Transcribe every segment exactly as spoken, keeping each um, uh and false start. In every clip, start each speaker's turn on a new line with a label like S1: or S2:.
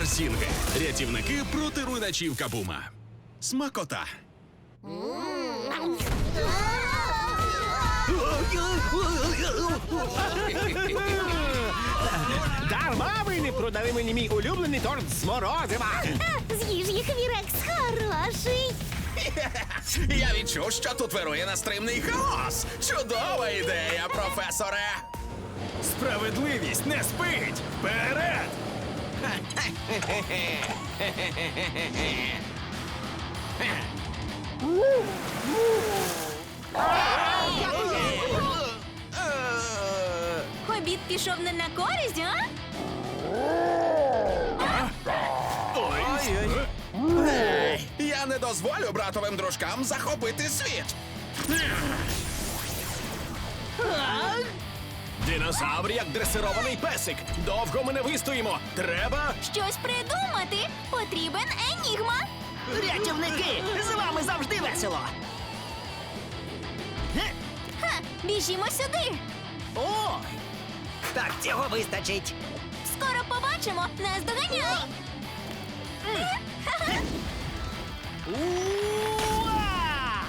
S1: Сінги. Рятівники проти руйначів Кабума. Смакота.
S2: Дарма ви не продали мені мій улюблений торт з морозива.
S3: З'їж їх, Вірекс, хороший.
S1: Я відчув, що тут вирує нестримний хаос. Чудова ідея, професоре.
S4: Справедливість не спить! Вперед!
S3: Обід пішов не на користь, а?
S1: Ей, я не дозволю братовим дружкам захопити світ.
S4: Динозавр як дресирований песик. Довго ми не вистоїмо. Треба...
S3: Щось придумати. Потрібен енігма.
S2: Рятівники, з вами завжди весело.
S3: Ха, біжімо сюди.
S2: О! Так цього вистачить.
S3: Скоро побачимо. Нас доганяй.
S2: Уа!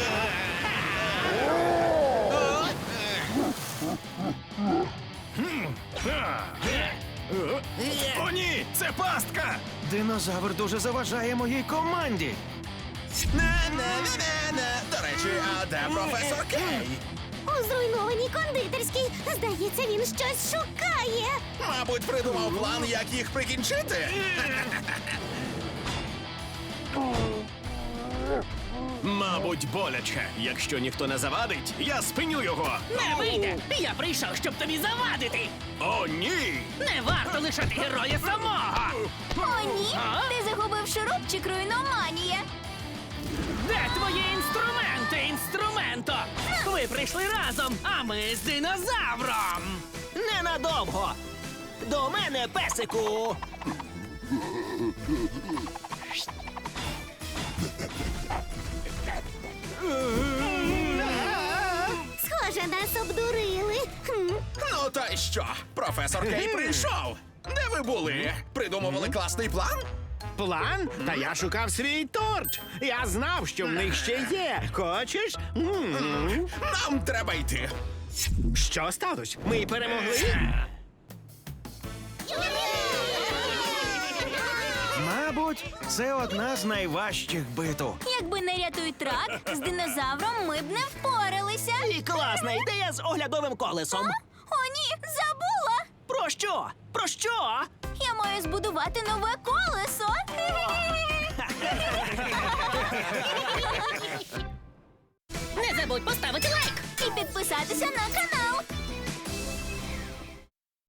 S4: О, ні! Це пастка! Динозавр дуже заважає моїй команді.
S1: Не-не-не-не-не. До речі, а де професор Кей?
S3: У зруйнованій кондитерській. Здається, він щось шукає.
S1: Мабуть, придумав план, як їх прикінчити.
S4: Мабуть, боляче. Якщо ніхто не завадить, я спиню його.
S2: Не вийде! Я прийшов, щоб тобі завадити!
S4: О, ні!
S2: Не варто лишати героя самого!
S3: О, ні.
S2: А?
S3: Ти загубив шурупчик, руйноманія.
S2: Де твої інструменти, інструменто? Ви прийшли разом, а ми з динозавром! Ненадовго! До мене, песику!
S3: Схоже, нас обдурили. Хм.
S1: Ну та й що? Професор Кей прийшов. Де ви були? Придумували класний план?
S2: План? Та я шукав свій торт! Я знав, що в них ще є. Хочеш? М.
S1: Нам треба йти.
S2: Що сталося? Ми перемогли?
S4: Мабуть, це одна з найважчих битв.
S3: Якби не рятуй трак, з динозавром ми б не впоралися.
S2: І класна ідея з оглядовим колесом.
S3: О, ні, забула.
S2: Про що? Про що?
S3: Я маю збудувати нове колесо.
S5: Не забудь поставити лайк!
S3: І підписатися на канал.